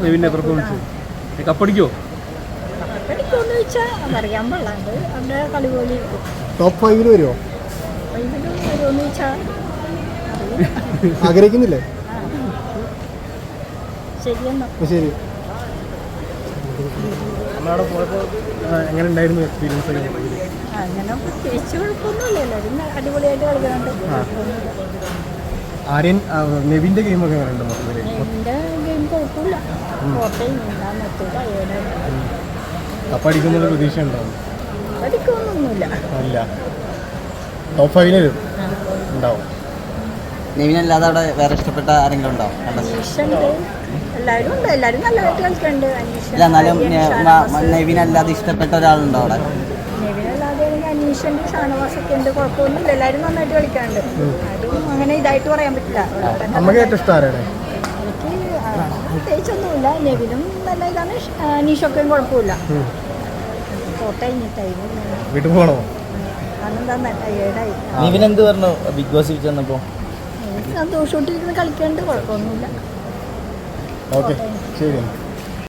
നെവിൻ്റെ performance? കപ്പടിക്കോ? കപ്പടിക്കുമെന്ന് ചോദിച്ചാൽ അറിയാൻ പാടില്ലാണ്ട് അവരുടെ കളി പോലെ ഇരിക്കും. ടോപ്പ് 5 വരുമോ? വരുമെന്ന് ചോദിച്ചാൽ ആഗ്രഹിക്കുന്നില്ലേ? ശരിയെന്നോ. ശരി. നമ്മളവിടെ പോയപ്പോൾ എങ്ങനെ ഉണ്ടായിരുന്നു എക്സ്പീരിയൻസ്? അങ്ങനെ പ്രത്യേകിച്ച് കുഴപ്പമൊന്നുമില്ല, എല്ലാവരും അടിപൊളിയായിട്ട് കളിക്കുന്നുണ്ട്. ആര്യൻ നെവിൻ്റെ ഗെയിമൊക്കെ എങ്ങനെ ഉണ്ട് മൊത്തത്തിൽ? എൻ്റെ ഗെയിം കുഴപ്പമില്ല, കോട്ടയം നിർത്തില്ല. കപ്പടിക്കുന്നൊരു പ്രതീക്ഷ ഉണ്ടാവും? പഠിക്കൊന്നുമില്ല. അല്ല, ടോപ്പ് 5 ഉണ്ടാവും. നെവിനല്ലാതെ അവിടെ വേറെ ഇഷ്ടപ്പെട്ട ആരെങ്കിലും ഉണ്ടാവും? അനീഷുണ്ട്, എല്ലാവരും ഉണ്ട്, എല്ലാവരും നല്ലതായിട്ട് കളിക്കുന്നുണ്ട്. ഇല്ല, എന്നാലും നെവിനല്ലാതെ ഇഷ്ടപ്പെട്ട ഒരാളുണ്ടോ അവിടെ? നെവിനല്ലാതെ എനിക്ക് അനീഷുണ്ട്, ഷാനവാസൊക്കെ ഉണ്ട്, കുഴപ്പമൊന്നുമില്ല, എല്ലാവരും നന്നായിട്ട് കളിക്കാറുണ്ട്. ആരും അങ്ങനെ ഇതായിട്ട് പറയാൻ പറ്റില്ല. നമുക്ക് ഏറ്റവും ഇഷ്ടം ആരാണ്? എനിക്ക് പ്രത്യേകിച്ചൊന്നുമില്ല, നെവിനും നല്ല ഇതാണ്, അനീഷൊക്കെയും കുഴപ്പമില്ല. കോട്ടയം ടൈം വീട്ടിൽ പോകണോ? അന്നെന്താ ടയേർഡായി. നെവിൻ എന്ത് പറഞ്ഞു ബിഗ് ബോസ് ചെന്നപ്പോൾ? സന്തോഷമായിട്ടിരിക്കുന്ന കളിക്കാണ്ട് കുഴപ്പമൊന്നുമില്ല. ഓക്കെ, ശരി.